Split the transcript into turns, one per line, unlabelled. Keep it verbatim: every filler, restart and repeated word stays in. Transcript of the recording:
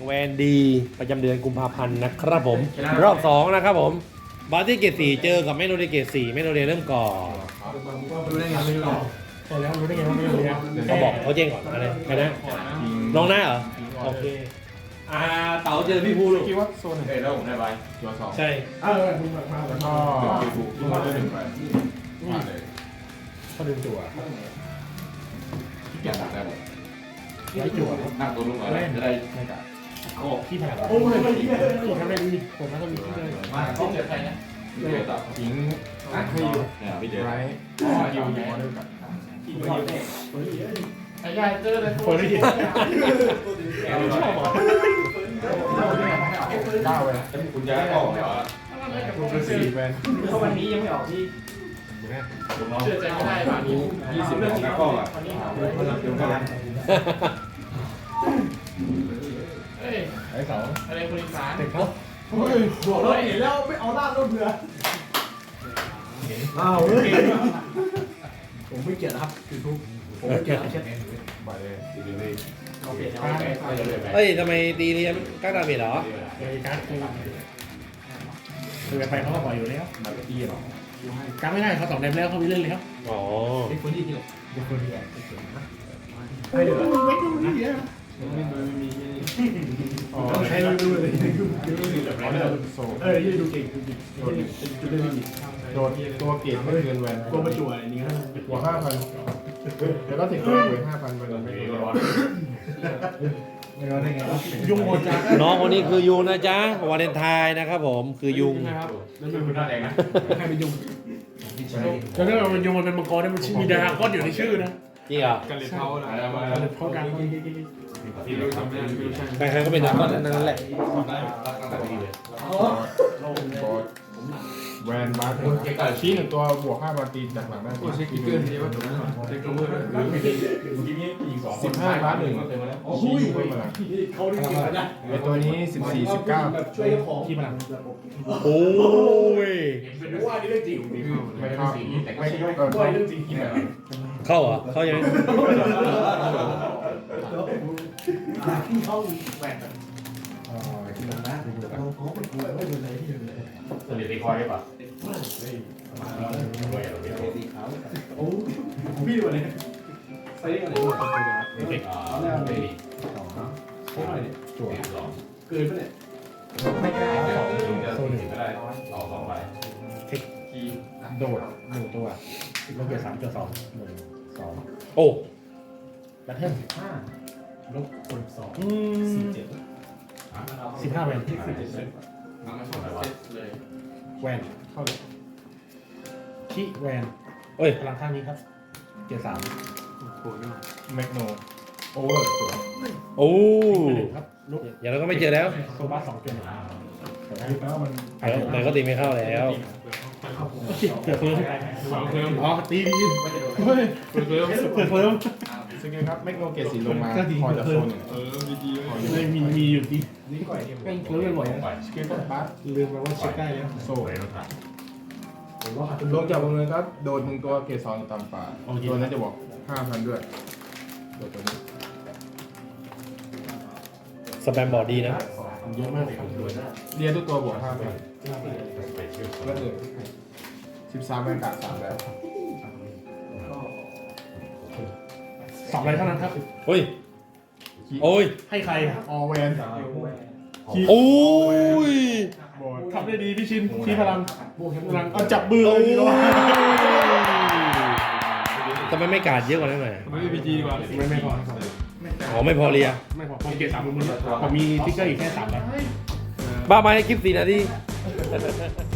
แวนดีประจำเดือนกุมภาพันธ์นะครับผมรอบสองนะครับผมบาร์ตี้เกตสี่เจอกับแมโนเดเกตสี่แมโนเดเริ่มก่อน
รู้ได้ไงไม่รู้ใช่แล้วรู้ได้ไงว่าไม่รู้เนี่ย
เขาบอกเขาแจ้งก่อนอะไรใครนะน้องหน้าเหรอโอเคอ่าเต๋าเจอพี่ภูลูก
คิดว่าโซนหนึ่ง
เอ้ยแล้วผมได้ใบตัวสอง
ใช่
เออมึงมาแล้วก็
คิวฟูคิวฟูได้หนึ่งไป
ผ่านเลย
เขาดึงจั่ว
ที่เกียจได้หมด
ไล่จั่ว
นั่งตัวลุงอะไรจะได้
ไม่กะ
โอ้
ขี้แผลโอ้ยไม่ดีเลยทำได้ดีผมน่าจะมีที่เลย
มาต้องเจอใครนะพี่เจต่อ
ทิ้งให้อยู่
เนี่ยพี่เจ
ไรคิวอยู่มอเดลกับ
ไอ้ยายเจอเลย
เฟิร์นได้ยิน
ชอบบอก
เก้าเลย
คุณยายก็บอกเหรอ
ตัวเป็นสี่แวน
เพราะวันนี้ยังไม่ออกที่
เชื่อใจไม่ได้ป่ะนี้ยี่สิบของนักกล้องอ่ะ
เฮ้ย
ไอ้สอง
อะไรคนอีสาน
เด็กเขา
เฮ้ย
บอกเลยเห็นแล้วไม่เอาลาดรถเรือ
อ้าวเฮ้ยผมไม่เกลียดครับคือทุกผมไม่เกลียดเช็ด
ไปเลย
เอาเปลี่ยนเอาไป
เฮ้ยทำไมตีเรียนก้าดาเมจเหรอ
เลยการคือคือไปเขาก็ปล่อยอยู่แล้ว
มาตีหรอ
การไม่ได้เขาสองเดมแล้วเขามีเล่นแล้ว
อ๋อ
ไอ้คนที่ที่ไอ้คนที่ไอ้ไอ้เดี๋ยวไม่ต้องมีเยอะอ๋อใช้ดูเลยดูดูดู
มอเดลโซ
เออยี่ดูเก่งดูเก่งดูได้ดี
โดนตัวเกตไม่เกินแวน
โกมาจั่วอะไรนี้ครับ
หัวห้าพันเดี๋ยวก็ถึงตัวหัวห้าพันมันไม่ร้อน
ไม่รู้ได้ไงยุ่งหมดจ้า
น้องคนนี้คือยุงนะจ๊ะวาเลนไทน์นะครับผมคือยุง
นะครับแล้ว
คือคุณหน้าแดงนะ
ใครเป็นยุงแล้วถ้ามันยุงมันเป็นมังกรเนี่ยมันมีดาราก้อนอยู่ในชื่อนะ
จริงเหรอ
กันเลยเขาละ
มันเพราะการ
ที่รู้ทำไม่ได้ไม่รู้ใช่
ใครๆก็เป็นดราก้อนทั้งนั้นแหละ
แวนบาร์ชี้หนึ่งตัวบวกห้าบาร์ตีจากหลังได้เช็คกิ๊กเกอร์ทีว่าถูกไหมเช็คตัวมือหรือสิบห้าบาร์หนึ่งชี้เพิ่มมา
เขาได้กินกันนะ
ไอตัวนี้สิบสี่สิบเก้า
ช่วยของที่มัน
โอ้ย
เป็นว่านี่เรื่องจริง
ไม่เข้าไม่เออ
ว่าเรื่องจริง
เข้าเหรอเข้ายังไง
ที่เขาแหวน
อ๋อ
สนิทตีคอยได้ป่ะ
โอ้พี่ดูเลยใส่ได้อะไร
เอาแล้วไม่ดี
จั่ว
สอง
เกินไปเนี่ย
ไม่ได้ถึงจะถึงก็ได้ต่อสองใบ
โดด
หนึ่งตัวลบเกียร์สามเกียร์สองหนึ่งสอง
โอ้
แบทเทิลสิบห้าลบคนสอง
อืม
สี่เจ็ดสิบห้าแวนที่สิบ
มันไม่ชอบอะไรเลย
แวนเข้าเลยขี้แวน
เอ้ย
พลังข้างนี้ครับเกียร์สาม
แมกโนโอเวอร์จั่ว
โอ้
หนึ่งครับลุก
อย่างนั้นก็ไม่เจอแล้ว
โซบ้าสองเกียร์หนึ่ง
แล้วมัน
มันก็ตีไม่เข้าแล้ว
เกิดเพิ่มอ๋อตีดีเฮ้ยเกิดเพิ่มเกิดเพิ่ม
สกิลครับแมกโนเกตสีลงมาพอจะโซนหนึ่งเออดีดีเลย
ไม่มีมีอยู่ดีนี่ก่อยเล่นเล่นบ่อยนะ
สกิลต้นบัส
ลืมไปว่าเช็คได้แล้ว
โซ่ลงจากวงเงินก็โดนหนึ่งตัวเกตสองตามป่าตัวนั้นจะบอกห้าพันด้วยตัวตัวนี้
สแปมบอร์ดดีนะ
เยอะมากเลยครับ
เรียนทุกตัวบวกห้าพัน
ไปชื่อ
ก็คือสิบสามแวนกาดสามแล้ว
สองใบเท่านั้นครับ
โอ้ยโอ้ย
ให้ใคร
ออแวน
โอ้ย
บอด
ทำได้ดีพี่ชินชี้พลังพลังเอาจับมือเลยดีกว่า
ทำไมไม่กาดเยอะกว่านั้นหน่อย
ไม่ได้พีจีดีกว่า
ไม่ไม่พอ
อ๋อไม่พอเรีย
ไม่พอผมเกียร์สามมือผมมีทิกเกอร์อีกแค่สามใบ
บ้ามาให้คลิปสี่นาที